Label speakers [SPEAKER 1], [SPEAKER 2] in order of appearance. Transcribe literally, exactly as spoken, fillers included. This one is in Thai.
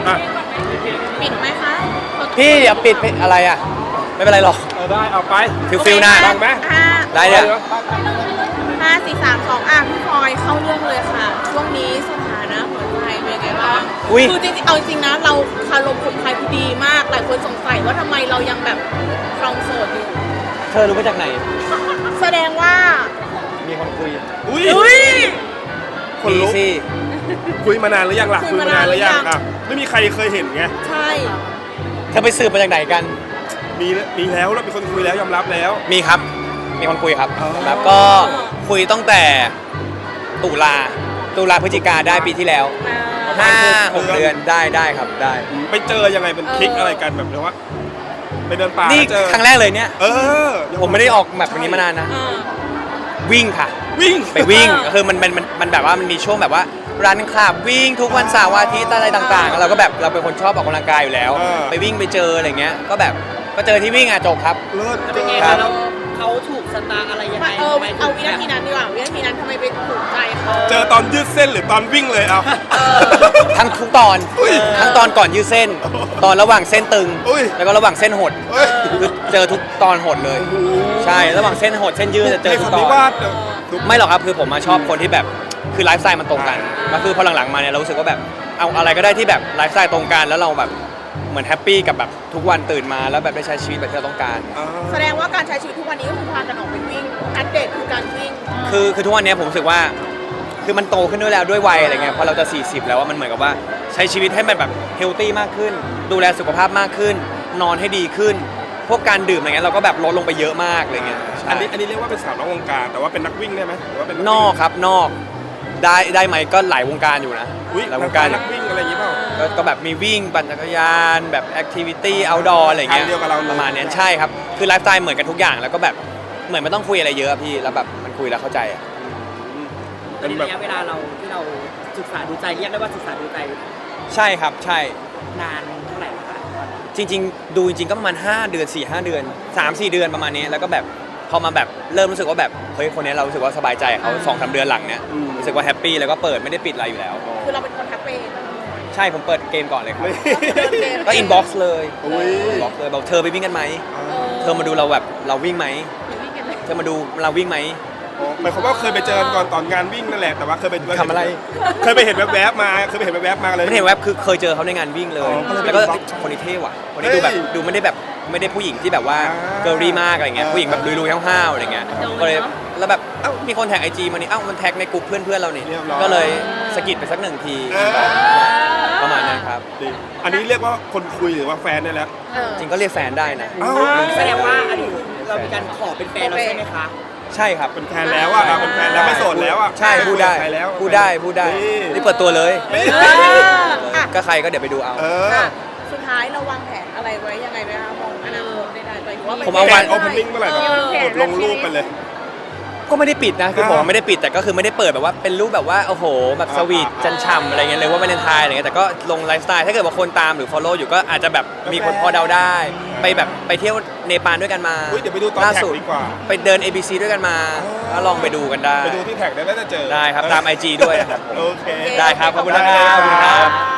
[SPEAKER 1] อ่ะ
[SPEAKER 2] ปิดไหมคะ
[SPEAKER 3] พี่อย่าปิดอะไรอ่ะไม่เป็นไรหรอก
[SPEAKER 1] เออได้เอาไป
[SPEAKER 3] ฟิลฟิลหน้า
[SPEAKER 1] ดังไหม
[SPEAKER 2] ห้า
[SPEAKER 3] ได้เนี่ย
[SPEAKER 2] ห้าสี่สามสองอ่ะพี่พลอยเข้าเรื่องเลยค่ะ ช่วงนี้สถานะหัวใจเป็นไงบ้าง
[SPEAKER 3] อุ้ย
[SPEAKER 2] คือจริงๆเอาจริงๆนะเราคารมคนไทยผู้ดีมากหลายคนสงสัยว่าทำไมเรายังแบบครองโสดอยู่
[SPEAKER 3] เธอรู้มาจากไหน
[SPEAKER 2] แสดงว่า
[SPEAKER 3] มีคนคุย
[SPEAKER 1] อุ้ย
[SPEAKER 2] อุ้ย
[SPEAKER 1] คน
[SPEAKER 3] มี
[SPEAKER 1] ลุก
[SPEAKER 3] สิ
[SPEAKER 1] คุยมานานหรือยังล่ะ
[SPEAKER 2] คุ
[SPEAKER 1] คุ
[SPEAKER 2] ย
[SPEAKER 1] ย
[SPEAKER 2] มาม
[SPEAKER 1] านานหรือยัง
[SPEAKER 2] หรือยัง
[SPEAKER 1] อ่ะไม่มีใครเคยเห็นไง
[SPEAKER 2] ใช่
[SPEAKER 3] เธอไปสืบมาจากไหนกัน
[SPEAKER 1] มีมีแล้วแล้วมีคนคุยแล้วยอมรับแล้ว
[SPEAKER 3] มีครับ มีคนคุยครับ
[SPEAKER 1] อ๋อ
[SPEAKER 3] แล้วก็คุยตั้งแต่ตุลาตุลาพฤศจิกาได้ปีที่แล้วห้าหกเดือนได้ได้ครับได้
[SPEAKER 1] ไปเจอยังไงเป็นคลิกอะไรกันแบบว่าไปเดินป่า
[SPEAKER 3] นี่
[SPEAKER 1] แล้วเจอ
[SPEAKER 3] ครั้งแรกเลยเนี่ย
[SPEAKER 1] เออ
[SPEAKER 3] ผมไม่ได้ออกแบบนี้มานานนะ
[SPEAKER 2] เออ
[SPEAKER 3] วิ่งค่ะ
[SPEAKER 1] วิ่ง
[SPEAKER 3] ไปวิ่งคือมันมันมันมันแบบว่ามันมีช่วงแบบว่ารันคลับวิ่งทุกวันเสาร์อาทิตย์อะไรต่างๆ เราก็แบบเราเป็นคนชอบออกกำลังกายอยู่แล้ว ไปวิ่งไปเจออะไรเงี้ยก็แบบก็เจอที่วิ่งอ่ะจบครับ
[SPEAKER 1] เลิศ
[SPEAKER 4] แล้ว
[SPEAKER 1] เจ
[SPEAKER 4] เป็น
[SPEAKER 1] อ
[SPEAKER 4] ไง
[SPEAKER 3] ครั
[SPEAKER 4] คะ
[SPEAKER 3] บ
[SPEAKER 4] เราเขาถูกสตาร์อะไรยังไง
[SPEAKER 2] เออ
[SPEAKER 4] ทำไม
[SPEAKER 2] เอา
[SPEAKER 4] ถึง
[SPEAKER 2] วินาทีนั้นดีกว่าวินาทีนั้นทำไมไปถูกใจเขา
[SPEAKER 1] เจอตอนยืดเส้นหรือตอนวิ่งเลยเอา
[SPEAKER 3] ทั้งทุกตอน
[SPEAKER 1] อุ้ย
[SPEAKER 3] ทั้งตอนก่อนยืดเส้น ตอนระหว่างเส้นตึง
[SPEAKER 1] อุ้ย
[SPEAKER 3] แล้วก็ระหว่างเส้นหด
[SPEAKER 1] เฮ้ย
[SPEAKER 3] คือเจอทุกตอนหดเลย ใช่ระหว่างเส้นหดเส้นยืดจะเจอ
[SPEAKER 1] ใน
[SPEAKER 3] ทุก
[SPEAKER 1] คำ
[SPEAKER 3] ตอ
[SPEAKER 1] นี้
[SPEAKER 3] น
[SPEAKER 1] ว่าเดี๋ยวดู
[SPEAKER 3] ไม่หรอกครับคือผมมาชอบคนที่แบบคือไลฟ์สไตล์มันตรงกันก็คือพอหลังๆมาเนี่ยเรารู้สึกว่าแบบเอาอะไรก็ได้ที่แบบไลฟ์สไตล์ตรงกันแล้วเราแบบเหมือนแฮปปี้กับแบบทุกวันตื่นมาแล้วแบบได้ใช้ชีวิตแบบที่เราต้องการ
[SPEAKER 1] อ่า
[SPEAKER 2] แสดงว่าการใช้ชีวิตทุกวันนี้ก็คือพากันออกไปวิ่งอัปเดตคือการวิ่ง
[SPEAKER 3] คือคือทุกวันนี้ผมรู้สึกว่าคือมันโตขึ้นด้วยแล้วด้วยวัยอะไรเงี้ยพอเราจะสี่สิบแล้วว่ามันเหมือนกับว่าใช้ชีวิตให้มันแบบเฮลตี้มากขึ้น ดูแลสุขภาพมากขึ้น นอนให้ดีขึ้น พวกการดื่มอะไรเงี้ยเราก็แบบลดลงไปเยอะมากอะไรเงี้ยใช่
[SPEAKER 1] อันนี้อันนี้เรียกว่าเป็นสาวนอกวงการแต่ว่าเป็นนักวิ่งได้ไหมหรือว่าเป็น
[SPEAKER 3] นอกครับนอกได้ได้ไหมก็หลายวงการอยู่นะ
[SPEAKER 1] อุ้ย
[SPEAKER 3] หลายว
[SPEAKER 1] นั
[SPEAKER 3] ง
[SPEAKER 1] ก
[SPEAKER 3] การ
[SPEAKER 1] นักวิ่งอะไรอย่างงี้เปล่า
[SPEAKER 3] ก็ก็แบบมีวิ่งปั่นจักรยานแบบแอคทิวิตี้เอาท์ดอร์อะไรเงี้ย
[SPEAKER 1] ทางเดียวกับเราเลย
[SPEAKER 3] ประมาณเนี้ยใช่ครับคือไลฟ์สไตล์เหมือนกันทุกอย่างแล้วก็แบบเหมือนไม่ต้องคุยอะไรเยอะพี่แล้วแบบมันคุยแล้วเข้าใจอะ
[SPEAKER 4] เป็นระยะเวลาเราที่เราศึกษาดูใจเรียกได้ว่าศึกษาดูใจ
[SPEAKER 3] ใช่ครับใช่
[SPEAKER 4] นานเท่าไหร่คะ
[SPEAKER 3] จริงๆ ดูจริงๆ ก็ประมาณห้าเดือนสี่ห้าเดือนสามสี่เดือนประมาณนี้แล้วก็แบบพอมาแบบเริ่มรู้สึกว่าแบบเฮ้ยคนนี้เรารู้สึกว่าสบายใจกับเขาสองสามเดือนหลังเนี้ยรู้สึกว่าแฮปปี้แล้วก็เปิดไม่ได้ปิดอะไรอยู่แล้ว
[SPEAKER 2] คือเราเป็นคนแฮปปี้
[SPEAKER 3] ใช่ผมเปิดเกมก่อนเลยครับ
[SPEAKER 2] เดินเกม
[SPEAKER 3] ก็อินบ็อกซ์เลย
[SPEAKER 1] อุ้ย
[SPEAKER 3] อินบ็อกซ์เลยบอกเธอไปวิ่งกันไหมเธอมาดูเราแบบเราวิ่งไหมเธอมาดูเราวิ่งไหม
[SPEAKER 1] อ๋อหมายความว่าเคยไปเจอกันก่อนตอนงานวิ่งนั่นแหละแต่ว่าเคยไป
[SPEAKER 3] ทำอะไร
[SPEAKER 1] เคยไปเห็นแวบๆมาเคยไปเห็นแวบๆมาเลย
[SPEAKER 3] ไม่เห็นแวบคือเคยเจอเขาในงานวิ่งเลย
[SPEAKER 1] อ๋อก็เลย
[SPEAKER 3] แล้วก็
[SPEAKER 1] ไปดู
[SPEAKER 3] คนนี้เท่ว่ะคนนี้ดูแบบ
[SPEAKER 1] เฮ้ย
[SPEAKER 3] ดูไม่ได้แบบไม่ได้ผู้หญิงที่แบบว่า
[SPEAKER 1] อ่า
[SPEAKER 3] เกิร์ลรี่มากอะไรเงี้ย
[SPEAKER 1] อ่า
[SPEAKER 3] ผู้หญิงแบบลุยๆห้าวๆอะไรเงี้ยก็เลยแล้วแบบเอ้ามีคนแท็กไอจีมานี่เอ้ามันแท็กในกลุ่มเพื่อนๆเรานี่
[SPEAKER 1] เรียบร้อย
[SPEAKER 3] ก็เลยสะกิดไปสักหนึ่งที
[SPEAKER 1] เออ
[SPEAKER 3] ประมาณนั้นครับ
[SPEAKER 1] ดีอันนี้เรียกว่าคนคุยหรือว่าแฟนได้แล้ว
[SPEAKER 2] เออ
[SPEAKER 3] จริงก็เรียกแฟนได้นะ
[SPEAKER 1] อ้าว
[SPEAKER 4] แสดงว่าอันนี้คือเรามีการขอเป็นแฟนเราใช่ไหมคะ
[SPEAKER 3] ใช่ครับ
[SPEAKER 1] เป็นแฟนแล้วอ่ะอ่ะเป็นแฟนแล้วไม่โสดแล้วอ่ะ
[SPEAKER 3] ใช่พูดได้
[SPEAKER 1] ใครแล้ว
[SPEAKER 3] พูดได้พูดได้
[SPEAKER 1] นี่
[SPEAKER 3] นี่เปิดตัวเลย
[SPEAKER 1] นี่
[SPEAKER 2] อ่ะ
[SPEAKER 3] ก็ใครก็เดี๋ยวไปดูเอา
[SPEAKER 1] เออ
[SPEAKER 2] ค่ะสุดท้ายเราวางแผนอะไรไว้ยังไงไหมคะมองอนาคตได้ๆไปหรือว่า
[SPEAKER 3] ผมเอาวัน
[SPEAKER 1] โอเพนนิ่งเมื่อไหร่แบบกดลงรูปไปเลย
[SPEAKER 3] ก็ไม่ได้ปิดนะคือผม
[SPEAKER 1] อ่า
[SPEAKER 3] ไม่ได้ปิดแต่ก็คือไม่ได้เปิดแบบว่าเป็นรูปแบบว่าโอ้โหแบบสวีท
[SPEAKER 1] อ่า
[SPEAKER 3] จันฉ่ำอะไรเงี้ยเลยว่าไม่เลนไทายอะไรเงี้ยแต่ก็ลงไลฟ์สไตล์ถ้าเกิดว่าคนตามหรือ follow อยู่ก็อาจจะแบบมีคนพอเดาได้ ไปแบบไปเที่ยวเนปาลด้วยกันมา
[SPEAKER 1] อุ๊ยเดี๋ยวไปดูตอน
[SPEAKER 3] ล่า
[SPEAKER 1] แท็ก
[SPEAKER 3] สุด
[SPEAKER 1] ดีกว่า
[SPEAKER 3] ไปเดิน เอ บี ซี ด้วยกันมาก็ลองไปดูกันได้
[SPEAKER 1] ไปดูที่แท็กได้แล้วจะเจอ
[SPEAKER 3] ได้ครับตาม ไอ จี ด้วยนะครับผม
[SPEAKER 1] โอเค
[SPEAKER 3] ได้ครับขอบคุณนะครับขอบคุณครับ